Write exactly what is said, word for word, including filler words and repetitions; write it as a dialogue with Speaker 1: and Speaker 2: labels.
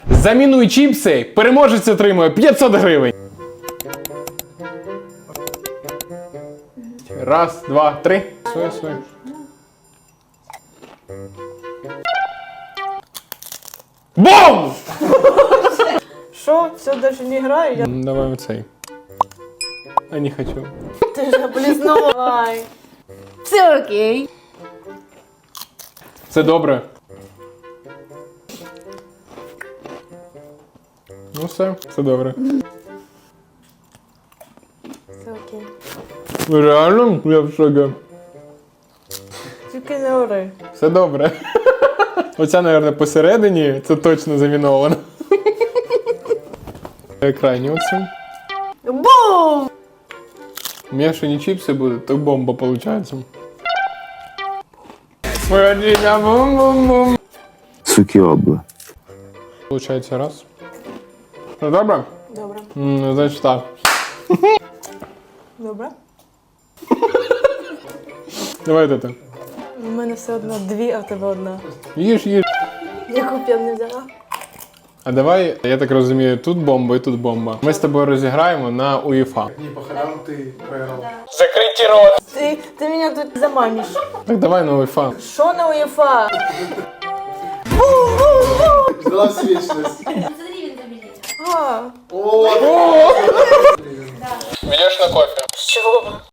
Speaker 1: Замінуй чіпси, переможець отримує п'ятсот гривень. Раз, два, три. Своє, своє. Бум!
Speaker 2: Що? Все даже не граю? Я...
Speaker 1: М, Давай оцей. А не хочу.
Speaker 2: Ти ж облизнув. Давай.
Speaker 3: Все окей.
Speaker 1: Це добре. Ну все, все добре.
Speaker 2: Все окей.
Speaker 1: Реально? Я в шокі.
Speaker 2: Тільки не ори.
Speaker 1: Все добре. Оця, мабуть, посередині, це точно заміновано. Крайні оцю.
Speaker 2: Бум!
Speaker 1: Мішані чіпси будуть, то бомба виходить. Молодіня, бум-бум-бум.
Speaker 4: Сукіобла.
Speaker 1: Получається раз. Ну добре?
Speaker 2: Добре.
Speaker 1: М, Ну, значить так.
Speaker 2: Добре.
Speaker 1: Давай ти.
Speaker 2: У мене все одно дві, а в тебе одна.
Speaker 1: Їж, їж.
Speaker 2: Яку б я не взяла?
Speaker 1: А давай, я так розумію, тут бомба і тут бомба. Ми з тобою розіграємо на УЄФА.
Speaker 5: Не по ходам ты проиграл.
Speaker 1: Закриті рот!
Speaker 2: Ти, ти мене тут заманиш.
Speaker 1: Так давай на УЄФА.
Speaker 2: Що на УЄФА?
Speaker 5: Ждала всю вечность.
Speaker 3: Смотри, він забілів.
Speaker 2: А,
Speaker 5: О,
Speaker 1: Ведеш на кофе.
Speaker 2: що?